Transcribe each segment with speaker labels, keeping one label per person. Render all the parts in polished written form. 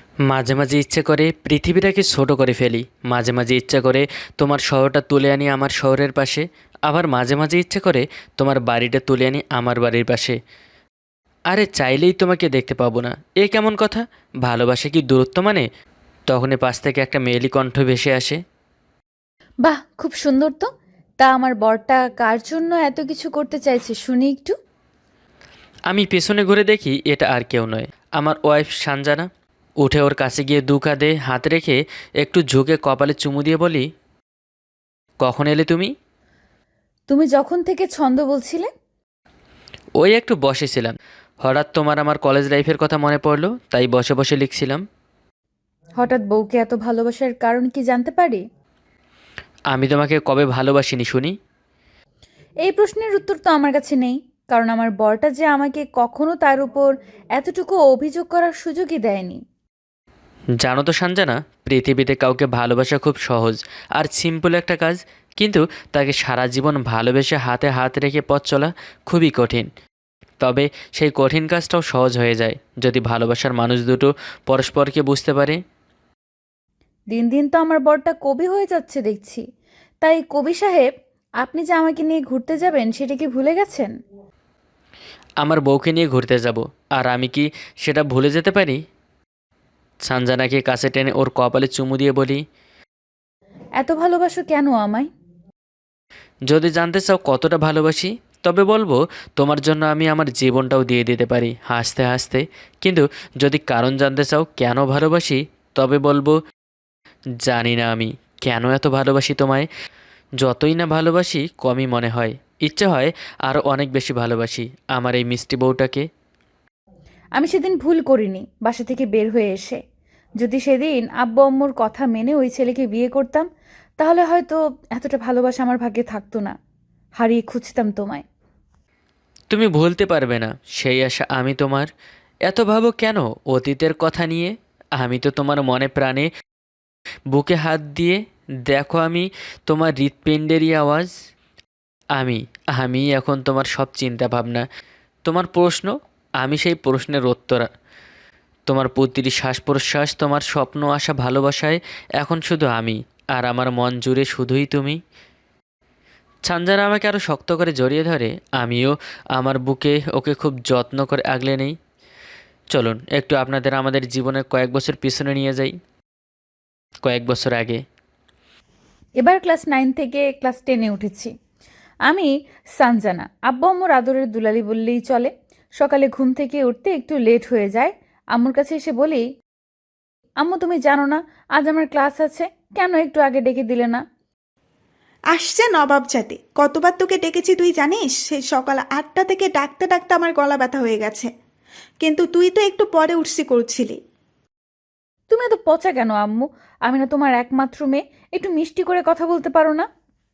Speaker 1: মাঝে মাঝে ইচ্ছে করে পৃথিবীটাকে ছোট করে ফেলি। মাঝে মাঝে ইচ্ছে করে তোমার শহরটা তুলে আনি আমার শহরের পাশে। আবার মাঝে মাঝে ইচ্ছে করে তোমার বাড়িটা তুলে আনি আমার বাড়ির পাশে। আরে চাইলেই তোমাকে দেখতে পাবো না, এ কেমন কথা? ভালোবাসা কি দূরত্ব মানে? তখনই পাশ থেকে একটা মেয়েলি কণ্ঠ ভেসে আসে।
Speaker 2: বাহ, খুব সুন্দর তো। তা আমার বরটা কার জন্য এত কিছু করতে চাইছে শুনি একটু।
Speaker 1: আমি পেছনে ঘুরে দেখি এটা আর কেউ নয়, আমার ওয়াইফ সানজানা। উঠে ওর কাছে গিয়ে দু কাঁধে হাত রেখে একটু ঝুঁকে কপালে চুমু দিয়ে বলি, কখন এলে তুমি?
Speaker 2: তুমি যখন থেকে ছন্দ বলছিলে।
Speaker 1: ওই একটু বসেছিলাম, হঠাৎ তোমার আমার কলেজ লাইফের কথা মনে পড়লো, তাই বসে বসে লিখছিলাম।
Speaker 2: হঠাৎ বউকে এত ভালোবাসার কারণ কি জানতে পারি?
Speaker 1: আমি তোমাকে কবে ভালোবাসিনি শুনি?
Speaker 2: এই প্রশ্নের উত্তর তো আমার কাছে নেই, কারণ আমার বরটা যে আমাকে কখনো তার উপর এতটুকু অভিযোগ করার সুযোগই দেয়নি।
Speaker 1: জানো তো সানজানা, পৃথিবীতে কাউকে ভালোবাসা খুব সহজ আর সিম্পল একটা কাজ, কিন্তু তাকে সারা জীবন ভালোবেসে হাতে হাত রেখে পথ চলা খুবই কঠিন। তবে সেই কঠিন কাজটাও সহজ হয়ে যায় যদি ভালোবাসার মানুষ দুটো পরস্পরকে বুঝতে পারে।
Speaker 2: দিন দিন তো আমার বরটা কবি হয়ে যাচ্ছে দেখছি। তাই কবি সাহেব, আপনি যে আমাকে নিয়ে ঘুরতে যাবেন সেটা কি ভুলে গেছেন?
Speaker 1: আমার বউকে নিয়ে ঘুরতে যাব, আর আমি কি সেটা ভুলে যেতে পারি? সানজানাকে কাছে টেনে ওর কপালে চুমু দিয়ে বলি,
Speaker 2: এত ভালোবাসো কেন আমায়?
Speaker 1: যদি জানতে চাও কতটা ভালোবাসি, তবে বলবো তোমার জন্য আমি আমার জীবনটাও দিয়ে দিতে পারি হাসতে হাসতে। কিন্তু যদি কারণ জানতে চাও কেন ভালোবাসি, তবে বলবো জানি না আমি কেন এত ভালোবাসি তোমায়। যতই না ভালোবাসি কমই মনে হয়, ইচ্ছে হয় আরও অনেক বেশি ভালোবাসি আমার এই মিষ্টি বউটাকে।
Speaker 2: আমি সেদিন ভুল করিনি বাসা থেকে বের হয়ে এসে। যদি সেদিন আব্বু আম্মুর কথা মেনে ওই ছেলেকে বিয়ে করতাম, তাহলে হয়তো এতটা ভালোবাসা আমার ভাগ্যে থাকতো না। হারিয়ে খুঁজতাম তোমায়।
Speaker 1: তুমি ভুলতে পারবে না সেই আশা আমি তোমার। এত ভাবো কেন অতীতের কথা নিয়ে? আমি তো তোমার মনে প্রাণে বুকে হাত দিয়ে দেখো, আমি তোমার হৃৎপিণ্ডেরই আওয়াজ। আমি আমি এখন তোমার সব চিন্তা ভাবনা, তোমার প্রশ্ন আমি সেই প্রশ্নের উত্তর। তোমার প্রতিটি শ্বাস প্রশ্বাস, তোমার স্বপ্ন আশা ভালোবাসায় এখন শুধু আমি, আর আমার মন জুড়ে শুধুই তুমি। ছানজানা আমাকে আরও শক্ত করে জড়িয়ে ধরে, আমিও আমার বুকে ওকে খুব যত্ন করে আগলে নেই। চলুন একটু আপনাদের আমাদের জীবনের কয়েক বছর পিছনে নিয়ে যাই, কয়েক বছর আগে।
Speaker 2: এবার ক্লাস 9 থেকে ক্লাস 10-এ উঠেছি। আমি সানজানা, আব্বু আম্মুর আদরের দুলালি বললেই চলে। সকালে ঘুম থেকে উঠতে একটু লেট হয়ে যায়। আম্মুর কাছে এসে বলি, আম্মু তুমি জানো না আজ আমার ক্লাস আছে, কেন একটু আগে ডেকে দিলে না?
Speaker 3: আসছে নবাব জাতি, কতবার তোকে ডেকেছি তুই জানিস? সেই সকাল 8টা থেকে ডাকতে ডাকতে আমার গলা ব্যথা হয়ে গেছে, কিন্তু তুই তো একটু পরে উঠছি করছিলি।
Speaker 2: তুমি এত পচা কেন আম্মু? আমি না তোমার একমাত্র মেয়ে, একটু মিষ্টি করে কথা বলতে পারো না?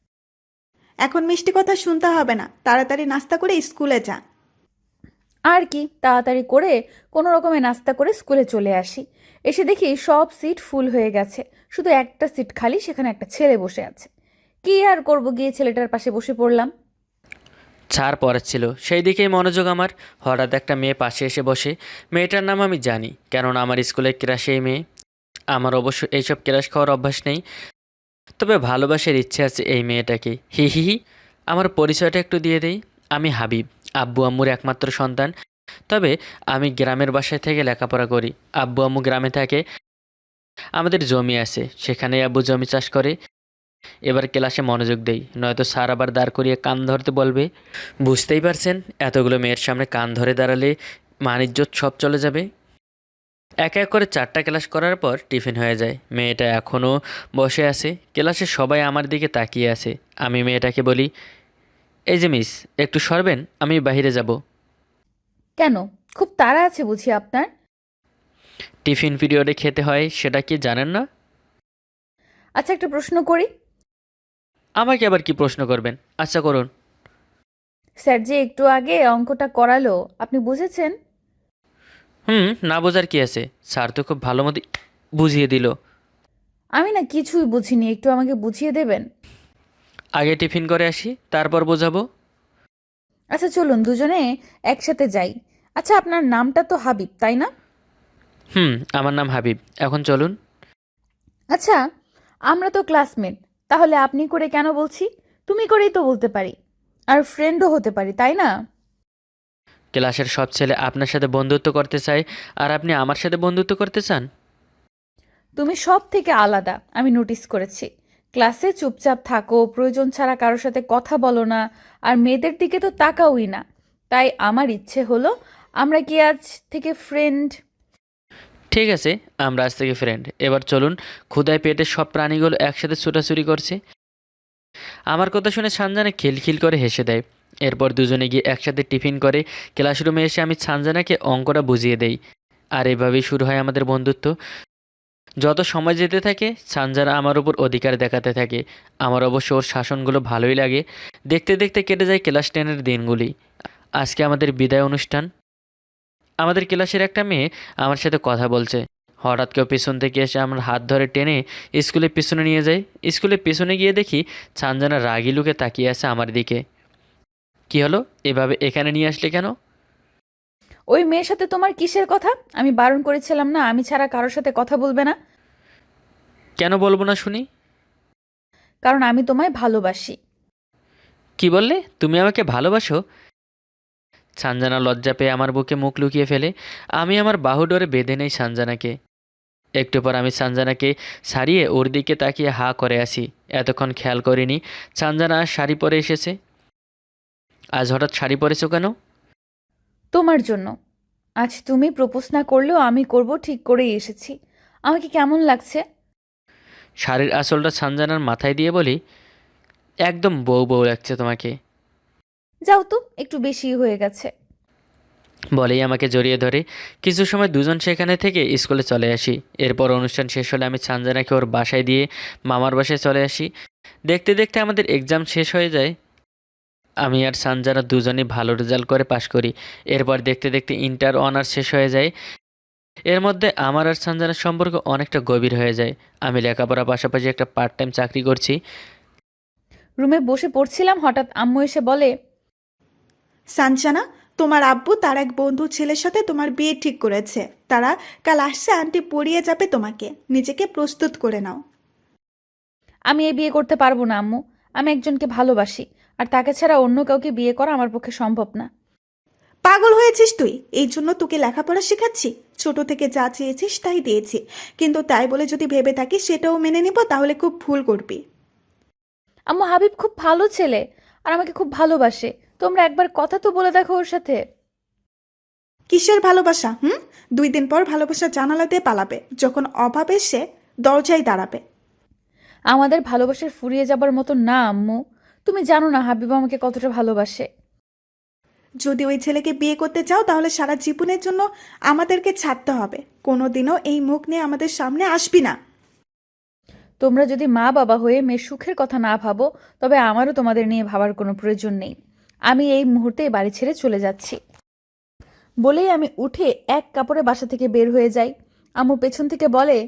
Speaker 3: এখন মিষ্টি কথা শুনতে হবে না, তাড়াতাড়ি নাস্তা করে স্কুলে যা।
Speaker 2: আর কি, তাড়াতাড়ি করে কোনো রকমে নাস্তা করে স্কুলে চলে আসি। এসে দেখি সব সিট ফুল হয়ে গেছে, শুধু একটা সিট খালি, সেখানে একটা ছেলে বসে আছে। কি আর করব, গিয়ে ছেলেটার পাশে বসে পড়লাম।
Speaker 1: ছাড় পড়াচ্ছিল সেই দিকেই মনোযোগ আমার। হঠাৎ একটা মেয়ে পাশে এসে বসে। মেয়েটার নাম আমি জানি, কেননা আমার স্কুলের ক্রাশে এই মেয়ে। আমার অবশ্য এইসব ক্রাশ খাওয়ার অভ্যাস নেই, তবে ভালোবাসার ইচ্ছে আছে এই মেয়েটাকে। হি হি হি। আমার পরিচয়টা একটু দিয়ে দেই, আমি হাবিব, আব্বু আম্মুর একমাত্র সন্তান। তবে আমি গ্রামের বাসায় থেকে লেখাপড়া করি। আব্বু আম্মু গ্রামে থাকে, আমাদের জমি আছে, সেখানে আব্বু জমি চাষ করে। এবার ক্লাসে মনোযোগ দেই, নয়তো স্যার আবার দাঁড় করিয়ে কান ধরতে বলবে। বুঝতেই পারছেন, এতগুলো মেয়ের সামনে কান ধরে দাঁড়ালে মানিজ্যত সব চলে যাবে। এক এক করে 4টা ক্লাস করার পর টিফিন হয়ে যায়। মেয়েটা এখনও বসে আছে, ক্লাসে সবাই আমার দিকে তাকিয়ে আছে। আমি মেয়েটাকে বলি, এই যে মিস, একটু সরবেন, আমি বাইরে যাব।
Speaker 2: কেন, খুব তাড়া আছে বুঝি আপনার?
Speaker 1: টিফিন পিরিয়ডে খেতে হয়, সেটা কি জানেন না?
Speaker 2: আচ্ছা, একটা প্রশ্ন করি।
Speaker 1: আমাকে আবার কি প্রশ্ন করবেন? আচ্ছা করুন।
Speaker 2: স্যার যে একটু আগে অঙ্কটা করালো, আপনি বুঝেছেন?
Speaker 1: হুম, না বোঝার কি আছে, স্যার তো খুব ভালো মতো বুঝিয়ে দিল।
Speaker 2: আমি না কিছুই বুঝিনি, একটু আমাকে বুঝিয়ে দেবেন?
Speaker 1: আগে টিফিন করে আসি, তারপর বোঝাবো।
Speaker 2: আচ্ছা চলুন দুজনে একসাথে যাই। আচ্ছা, আপনার নামটা তো হাবিব, তাই না?
Speaker 1: আমার নাম হাবিব। এখন চলুন।
Speaker 2: আচ্ছা, আমরা তো ক্লাসমেট, তাহলে আপনি করে কেন বলছি? তুমি করেই তো বলতে পারি, আর ফ্রেন্ডও হতে পারি, তাই না?
Speaker 1: ক্লাসের সব ছেলে আপনার সাথে বন্ধুত্ব করতে চায়, আর আপনি আমার সাথে বন্ধুত্ব করতে চান?
Speaker 2: তুমি সব থেকে আলাদা, আমি নোটিস করেছি। ক্লাসে চুপচাপ থাকো, প্রয়োজন ছাড়া কারোর সাথে কথা বলো না, আর মেয়েদের দিকে তো তাকাওই না। তাই আমার ইচ্ছে হলো আমরা কি আজ থেকে ফ্রেন্ড।
Speaker 1: ঠিক আছে, আমরা আজ থেকে ফ্রেন্ড। এবার চলুন। ক্ষুধায় পেটে সব প্রাণীগুলো একসাথে ছুটাছুটি করছে। আমার কথা শুনে সানজানা খিলখিল করে হেসে দেয়। এরপর দুজনে গিয়ে একসাথে টিফিন করে। ক্লাসরুমে এসে আমি সানজানাকে অঙ্কটা বুঝিয়ে দেই। আর এভাবেই শুরু হয় আমাদের বন্ধুত্ব। যত সময় যেতে থাকে সানজানা আমার উপর অধিকার দেখাতে থাকে। আমার অবশ্য ওর শাসনগুলো ভালোই লাগে। দেখতে দেখতে কেটে যায় ক্লাস 10-এর দিনগুলি। আজকে আমাদের বিদায় অনুষ্ঠান। আমাদের ক্লাসের একটা মেয়ে আমার সাথে কথা বলছে। হঠাৎ কেউ পিছন থেকে এসে আমার হাত ধরে টেনে স্কুলের পিছনে নিয়ে যায়। স্কুলের পিছনে গিয়ে দেখি সানজানা রাগি লুকে তাকিয়ে আছে আমার দিকে। কি হলো, এভাবে এখানে নিয়ে আসলে কেন?
Speaker 2: ওই মেয়ের সাথে তোমার কিসের কথা? আমি বারণ করেছিলাম না আমি ছাড়া কারোর সাথে কথা বলবে না?
Speaker 1: কেন বলবো না শুনি?
Speaker 2: কারণ আমি তোমায় ভালোবাসি।
Speaker 1: কি বললে? তুমি আমাকে ভালোবাসো? সানজানা লজ্জা পেয়ে আমার বুকে মুখ লুকিয়ে ফেলে। আমি আমার বাহু ডোরে বেঁধে নেই সানজানাকে। একটু পর আমি সানজানাকে সারিয়ে ওর দিকে তাকিয়ে হা করে আসি। এতক্ষণ খেয়াল করিনি সানজানা আজ শাড়ি পরে এসেছে। আজ হঠাৎ শাড়ি পরেছো কেন?
Speaker 2: তোমার জন্য। আজ তুমি প্রপোজ না করলেও আমি করব ঠিক করেই এসেছি। আমাকে কেমন লাগছে?
Speaker 1: শাড়ির আঁচলটা সানজানার মাথায় দিয়ে বলি, একদম বউ বউ লাগছে তোমাকে।
Speaker 2: যাও তো, একটু বেশি হয়ে গেছে।
Speaker 1: বলেই আমাকে জড়িয়ে ধরে। কিছু সময় দুজন সেখানে থেকে স্কুলে চলে আসি। এরপর অনুষ্ঠান শেষ হলে আমি সানজানাকে ওর বাসায় দিয়ে মামার বাসায় চলে আসি। দেখতে দেখতে আমাদের এক্সাম শেষ হয়ে যায়। আমি আর সানজানা দুজনেই ভালো রেজাল্ট করে পাশ করি। এরপর দেখতে দেখতে ইন্টার অনার্স শেষ হয়ে যায়। এর মধ্যে আমার আর সানজানার সম্পর্ক অনেকটা গভীর হয়ে যায়। আমি লেখাপড়ার পাশাপাশি একটা পার্ট টাইম চাকরি করছি।
Speaker 2: রুমে বসে পড়ছিলাম, হঠাৎ আম্মু এসে বলে,
Speaker 3: সানজানা, তোমার আব্বু তার এক বন্ধুর ছেলের সাথে তোমার বিয়ে ঠিক করেছে। তারা কাল আসছে, আন্টি পড়িয়ে যাবে তোমাকে। নিজেকে প্রস্তুত করে নাও।
Speaker 2: আমি এই বিয়ে করতে পারবো না আম্মু। আমি একজনকে ভালোবাসি, আর তাকে ছাড়া অন্য কাউকে বিয়ে করা আমার পক্ষে সম্ভব না।
Speaker 3: পাগল হয়েছিস তুই? এই জন্য তোকে লেখাপড়া শেখাচ্ছি। ছোট থেকে যা চেয়েছিস তাই দিয়েছি, কিন্তু তাই বলে যদি ভেবে থাকিস সেটাও মেনে নিব, তাহলে খুব ভুল করবি।
Speaker 2: আম্মু, হাবিব খুব ভালো ছেলে, আর আমাকে খুব ভালোবাসে। তোমরা একবার কথা তো বলে দেখো ওর সাথে।
Speaker 3: কিসের ভালোবাসা? 2 দিন পর ভালোবাসা জানালা দিয়ে পালাবে, যখন অভাব এসে দরজায় দাঁড়াবে।
Speaker 2: আমাদের ভালোবাসার ফুরিয়ে যাবার মতো না আম্মু। তুমি জানো না হাবিব আমাকে কতটা ভালোবাসে।
Speaker 3: যদি ওই ছেলেকে বিয়ে করতে চাও তাহলে সারা জীবনের জন্য আমাদেরকে ছাড়তে হবে। কোনোদিনও এই মুখ নিয়ে আমাদের সামনে আসবি না।
Speaker 2: তোমরা যদি মা বাবা হয়ে মেয়ের সুখের কথা না ভাবো, তবে আমারও তোমাদের নিয়ে ভাবার কোনো প্রয়োজন নেই। আমি এই মুহূর্তে এই বাড়ি ছেড়ে চলে যাচ্ছি। বলেই আমি উঠে এক কাপড়ে বাসা থেকে বের হয়ে যাই। আম্মু পেছন থেকে বলে,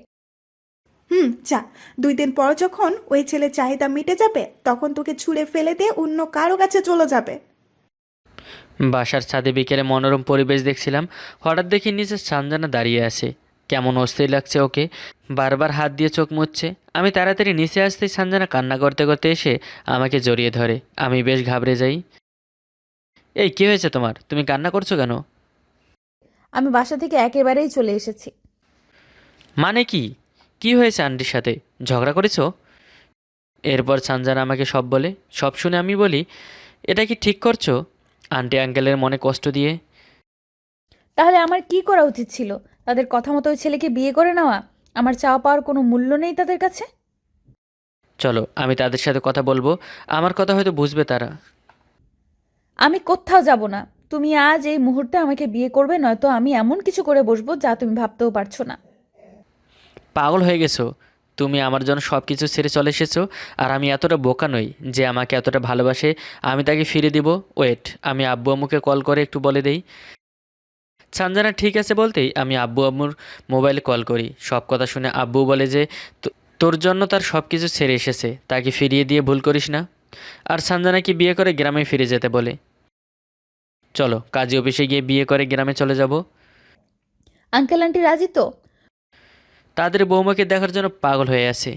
Speaker 3: যা। 2 দিন পর যখন ওই ছেলে চাহিদা মিটে যাবে, তখন তোকে ছুঁড়ে ফেলে দিয়ে অন্য কারো কাছে চলে যাবে।
Speaker 1: বাসার ছাদে বিকেলে মনোরম পরিবেশ দেখছিলাম। হঠাৎ দেখি নিচে সানজানা দাঁড়িয়ে আছে। কেমন অস্থির লাগছে ওকে। বারবার হাত দিয়ে চোখ মুছছে। আমি তাড়াতাড়ি নিচে আসতেই সানজানা কান্না করতে করতে এসে আমাকে জড়িয়ে ধরে। আমি বেশ ঘাবড়ে যাই। এই কী হয়েছে তোমার? তুমি কান্না করছো কেন?
Speaker 2: আমি বাসা থেকে একেবারেই চলে এসেছি।
Speaker 1: মানে কি? কি হয়েছে আন্টির সাথে? ঝগড়া করেছো? এরপর সানজানা আমাকে সব বলে। সব শুনে আমি বলি, এটা কি ঠিক করছো আন্টি আঙ্কেলের মনে কষ্ট দিয়ে?
Speaker 2: তাহলে আমার কি করা উচিত ছিল? তাদের কথা মতো ওই ছেলেকে বিয়ে করে নেওয়া? আমার চাওয়া পাওয়ার কোনো মূল্য নেই তাদের কাছে?
Speaker 1: চলো আমি তাদের সাথে কথা বলবো, আমার কথা হয়তো বুঝবে তারা।
Speaker 2: আমি কোথাও যাব না। তুমি আজ এই মুহূর্তে আমাকে বিয়ে করবে, নয়তো আমি এমন কিছু করে বসবো যা তুমি ভাবতেও পারছো না।
Speaker 1: পাগল হয়ে গেছো? তুমি আমার জন্য সব কিছু ছেড়ে চলে এসেছো, আর আমি এতটা বোকা নই যে আমাকে এতটা ভালোবাসে আমি তাকে ফিরে দিব। ওয়েট, আমি আব্বু আম্মুকে কল করে একটু বলে দেই। সানজানা ঠিক আছে বলতেই আমি আব্বু আম্মুর মোবাইলে কল করি। সব কথা শুনে আব্বু বলে যে তোর জন্য তার সব কিছু ছেড়ে এসেছে, তাকে ফিরিয়ে দিয়ে ভুল করিস না। আর সানজানাকে বিয়ে করে গ্রামে ফিরে যেতে বলে। চলো কাজী অফিসে গিয়ে বিয়ে করে গ্রামে চলে যাব।
Speaker 2: আঙ্কেল আন্টি রাজি তো?
Speaker 1: তাদের বৌমাকে দেখার জন্য পাগল হয়ে আছে।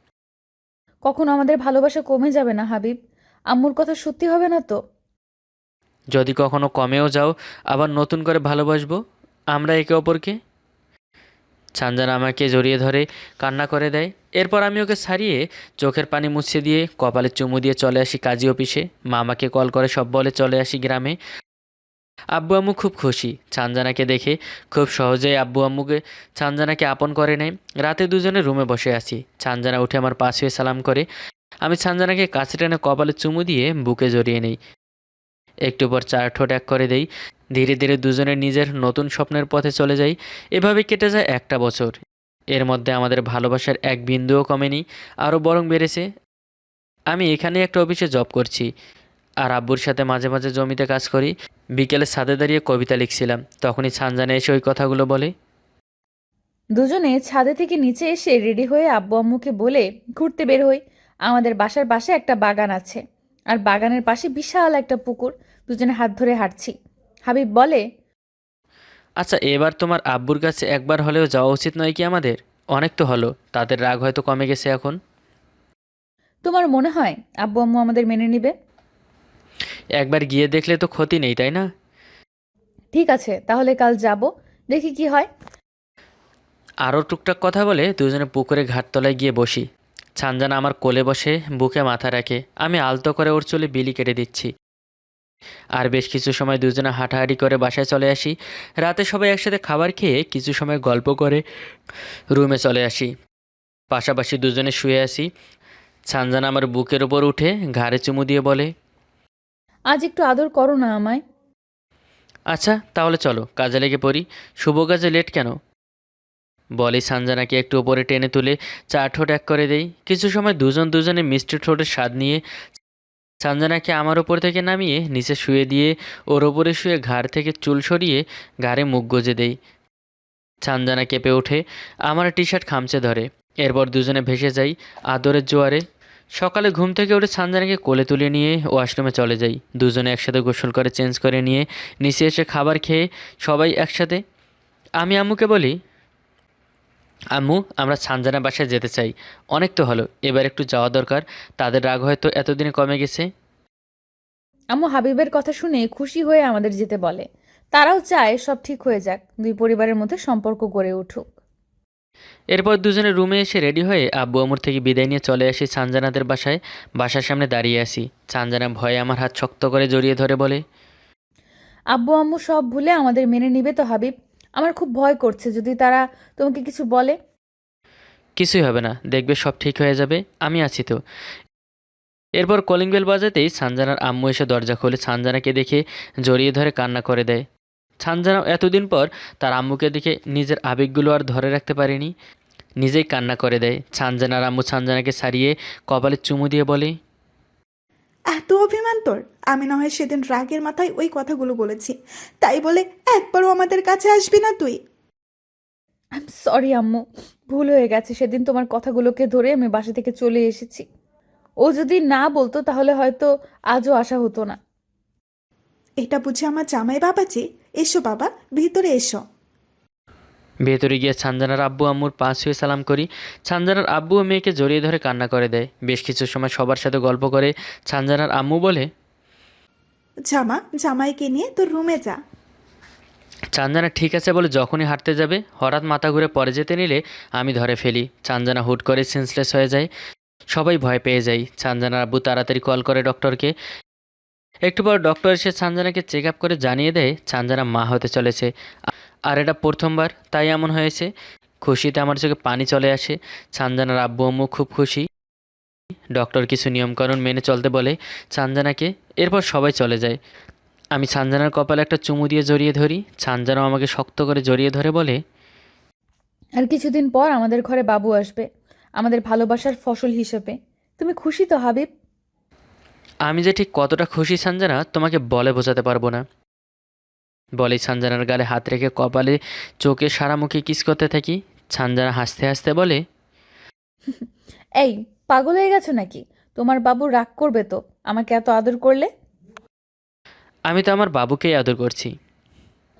Speaker 2: কখনো আমাদের ভালোবাসা কমে যাবে না হাবিব? আম্মুর কথা সত্যি হবে না তো?
Speaker 1: যদি কখনো কমেও যাও, আবার নতুন করে ভালোবাসবো আমরা একে অপরকে। ছানজানা আমাকে জড়িয়ে ধরে কান্না করে দেয়। এরপর আমি ওকে ছাড়িয়ে চোখের পানি মুছে দিয়ে কপালে চুমু দিয়ে চলে আসি কাজী অফিসে। মামাকে কল করে সব বলে চলে আসি গ্রামে। আব্বু আম্মু খুব খুশি ছানজানাকে দেখে। খুব সহজেই আব্বু আম্মুকে ছানজানাকে আপন করে নেয়। রাতে দুজনে রুমে বসে আছি। ছানজানা উঠে আমার পাশে হয়ে সালাম করে। আমি ছানজানাকে কাছে টেনে কপালে চুমু দিয়ে বুকে জড়িয়ে নেই। একটু পর চার ঠোঁট এক করে দেই। ধীরে ধীরে দুজনে নিজের নতুন স্বপ্নের পথে চলে যাই। এভাবে কেটে যায় একটা বছর। এর মধ্যে আমাদের ভালোবাসার এক বিন্দুও কমেনি, আরও বরং বেড়েছে। আমি এখানে একটা অফিসে জব করছি, আর আব্বুর সাথে মাঝে মাঝে জমিতে কাজ করি। বিকেলে ছাদে দাঁড়িয়ে কবিতা লিখছিলাম, তখনই ছানজানা এসে ওই কথাগুলো বলে।
Speaker 2: দুজনে ছাদে থেকে নিচে এসে রেডি হয়ে আব্বু আম্মুকে বলে ঘুরতে বের হই। আমাদের বাসার পাশে একটা বাগান আছে, আর বাগানের পাশে বিশাল একটা পুকুর। দুজনে হাত ধরে হাঁটছি। হাবিব বলে,
Speaker 1: আচ্ছা, এবার তোমার আব্বুর কাছে একবার হলেও যাওয়া উচিত নয় কি আমাদের? অনেক তো হলো, তাদের রাগ হয়তো কমে গেছে এখন।
Speaker 2: তোমার মনে হয় আব্বু আম্মু আমাদের মেনে নিবে?
Speaker 1: একবার গিয়ে দেখলে তো ক্ষতি নেই, তাই না?
Speaker 2: ঠিক আছে, তাহলে কাল যাব, দেখি কি হয়।
Speaker 1: আরও টুকটাক কথা বলে দুজনে পুকুরে ঘাটতলায় গিয়ে বসি। ছানজানা আমার কোলে বসে বুকে মাথা রাখে। আমি আলতো করে ওর চুলে বিলি কেটে দিচ্ছি। আর বেশ কিছু সময় দুজনে হাঁটাহাঁটি করে বাসায় চলে আসি। রাতে সবাই একসাথে খাবার খেয়ে কিছু সময় গল্প করে রুমে চলে আসি। পাশাপাশি দুজনে শুয়ে আসি। ছানজানা আমার বুকের ওপর উঠে ঘাড়ে চুমু দিয়ে বলে,
Speaker 2: আজ একটু আদর করো না আমায়।
Speaker 1: আচ্ছা তাহলে চলো কাজে লেগে পড়ি। শুভ কাজে লেট কেন? বলে সানজানাকে একটু ওপরে টেনে তুলে চার ঠোঁট এক করে দেই। কিছু সময় দুজনে মিষ্টি ঠোঁটের স্বাদ নিয়ে সানজানাকে আমার ওপর থেকে নামিয়ে নিচে শুয়ে দিয়ে ওর ওপরে শুয়ে ঘাড় থেকে চুল সরিয়ে ঘাড়ে মুখ গুজে দেই। সানজানা কেঁপে ওঠে, আমার টি শার্ট খামচে ধরে। এরপর দুজনে ভেসে যাই আদরের জোয়ারে। সকালে ঘুম থেকে উঠে সানজানাকে কোলে তুলে নিয়ে ওয়াশরুমে চলে যাই। দুজনে একসাথে গোসল করে চেঞ্জ করে নিয়ে নিচে এসে খাবার খেয়ে সবাই একসাথে। আমি আম্মুকে বলি, আম্মু আমরা ছানজানা বাসায় যেতে চাই। অনেক তো হলো, এবার একটু যাওয়া দরকার। তাদের রাগ হয়তো এতদিনে কমে গেছে।
Speaker 2: আম্মু হাবিবের কথা শুনে খুশি হয়ে আমাদের যেতে বলে। তারাও চায় সব ঠিক হয়ে যাক, দুই পরিবারের মধ্যে সম্পর্ক গড়ে উঠুক।
Speaker 1: এরপর দুজনে রুমে এসে রেডি হয়ে আব্বু আম্মুর থেকে বিদায় নিয়ে চলে আসি ছানজানাদের বাসায়। বাসার সামনে দাঁড়িয়ে আসি। ছানজানা ভয়ে আমার হাত শক্ত করে জড়িয়ে ধরে বলে,
Speaker 2: আব্বু আম্মু সব ভুলে আমাদের মেনে নিবে তো হাবিব? আমার খুব ভয় করছে যদি তারা তোমাকে কিছু বলে।
Speaker 1: কিছুই হবে না, দেখবে সব ঠিক হয়ে যাবে, আমি আছি তো। এরপর কলিং বেল বাজাতেই ছানজানার আম্মু এসে দরজা খোলে। ছানজানাকে দেখে জড়িয়ে ধরে কান্না করে দেয়। ছানজানাও এতদিন পর তার আম্মুকে দেখে নিজের আবেগগুলো আর ধরে রাখতে পারেনি, নিজেই কান্না করে দেয়। ছানজানার আম্মু ছানজানাকে ছাড়িয়ে কপালে চুমু দিয়ে বলে,
Speaker 3: এত অভিমান তোর! আমি না হয় সেদিন রাগের মাথায় ওই কথাগুলো বলেছি, তাই বলে একবারও আমাদের কাছে আসবি না তুই?
Speaker 2: আই এম সরি আম্মু, ভুল হয়ে গেছে। সেদিন তোমার কথাগুলোকে ধরে আমি বাসা থেকে চলে এসেছি। ও যদি না বলতো তাহলে হয়তো আজও আসা হতো না।
Speaker 3: এটা বুঝি আমার জামাই বাবাজি? এসো বাবা, ভিতরে এসো।
Speaker 1: ভেতরে গিয়ে ছানজানার আব্বু আম্মুর পাশ হয়ে সালাম করি। ছানজানার আব্বু ও মেয়েকে জড়িয়ে ধরে কান্না করে দেয়। বেশ কিছু সময় সবার সাথে গল্প করে ছানজানার আম্মু বলে,
Speaker 3: জামাইকে নিয়ে তোর রুমে যা।
Speaker 1: ছানজানা ঠিক আছে বলে যখনই হাঁটতে যাবে হঠাৎ মাথা ঘুরে পড়ে যেতে নিলে আমি ধরে ফেলি। ছানজানা হুট করে সেন্সলেস হয়ে যায়। সবাই ভয় পেয়ে যায়। ছানজানার আব্বু তাড়াতাড়ি কল করে ডক্টরকে। একটু পর ডক্টর এসে ছানজানাকে চেক আপ করে জানিয়ে দেয় ছানজানা মা হতে চলেছে। আর এটা প্রথমবার, তাই এমন হয়েছে। খুশিতে আমার চোখে পানি চলে আসে। ছানজানার আব্বু আম্মু খুব খুশি। ডক্টর কিছু নিয়মকানুন মেনে চলতে বলে ছানজানাকে। এরপর সবাই চলে যায়। আমি ছানজানার কপালে একটা চুমু দিয়ে জড়িয়ে ধরি। ছানজানাও আমাকে শক্ত করে জড়িয়ে ধরে বলে,
Speaker 2: আর কিছুদিন পর আমাদের ঘরে বাবু আসবে, আমাদের ভালোবাসার ফসল হিসেবে। তুমি খুশি তো হাবিব?
Speaker 1: আমি যে ঠিক কতটা খুশি ছানজানা তোমাকে বলে বোঝাতে পারবো না। বলেই ছানজানার গালে হাত রেখে কপালে চোখে সারা মুখে কিস করতে থাকি। ছানজানা হাসতে হাসতে বলে,
Speaker 2: এই, পাগল হয়ে গেছো নাকি? তোমার বাবু রাগ করবে তো আমাকে এত আদর করলে।
Speaker 1: আমি তো আমার বাবুকেই আদর করছি।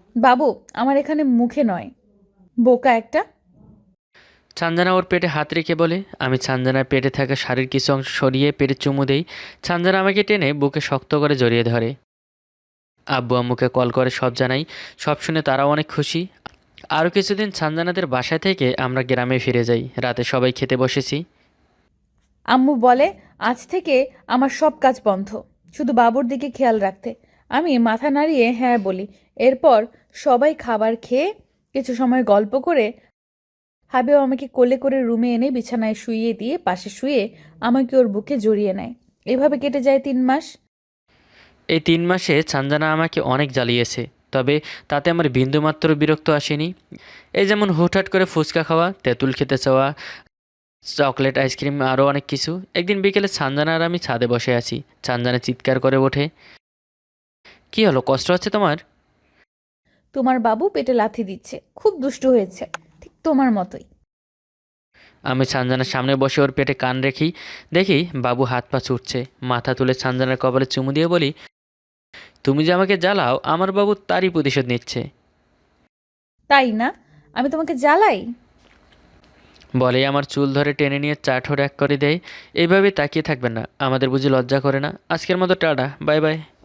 Speaker 2: বাবু আমার এখানে মুখে নয়, বোকা একটা।
Speaker 1: ছানজানা ওর পেটে হাত রেখে বলে। আমি ছানজানার পেটে থাকা শাড়ির কিছু অংশ সরিয়ে পেটে চুমু দেই। ছানজানা আমাকে টেনে বুকে শক্ত করে জড়িয়ে ধরে। আব্বু আম্মুকে কল করে সব জানাই। সব শুনে তারাও অনেক খুশি। আরও কিছুদিন ছানজানাদের বাসায় থেকে আমরা গ্রামে ফিরে যাই। রাতে সবাই খেতে বসেছি।
Speaker 2: আম্মু বলে আজ থেকে আমার সব কাজ বন্ধ, শুধু বাবুর দিকে খেয়াল রাখতে। আমি মাথা নাড়িয়ে হ্যাঁ বলি। এরপর সবাই খাবার খেয়ে কিছু সময় গল্প করে হাবিব আমাকে কোলে করে রুমে এনে বিছানায় শুইয়ে দিয়ে পাশে শুয়ে আমাকে ওর বুকে জড়িয়ে নেয়। এভাবে কেটে যায় 3 মাস।
Speaker 1: এই 3 মাসে ছানজানা আমাকে অনেক জ্বালিয়েছে, তবে তাতে আমার বিন্দুমাত্র বিরক্ত আসেনি। এই যেমন হুটহাট করে ফুচকা খাওয়া, তেঁতুল খেতে চাওয়া, চকলেট, আইসক্রিম, আরও অনেক কিছু। একদিন বিকেলে ছানজানা আর আমি ছাদে বসে আছি। ছানজানা চিৎকার করে ওঠে, কী হলো, কষ্ট হচ্ছে তোমার?
Speaker 2: তোমার বাবু পেটে লাথি দিচ্ছে, খুব দুষ্টু হয়েছে, ঠিক তোমার মতোই।
Speaker 1: আমি ছানজানার সামনে বসে ওর পেটে কান রেখি। দেখি বাবু হাত পা ছুটছে। মাথা তুলে ছানজানার কপালে চুমু দিয়ে বলি, তুমি যে আমাকে জ্বালাও, আমার বাবু তারই প্রতিশোধ নিচ্ছে।
Speaker 2: তাই না? আমি তোমাকে জ্বালাই?
Speaker 1: বলেই আমার চুল ধরে টেনে নিয়ে চাঠোর এক করে দেয়। এইভাবে তাকিয়ে থাকবেন না, আমাদের বুঝি লজ্জা করে না? আজকের মতো টাটা, বাই বাই।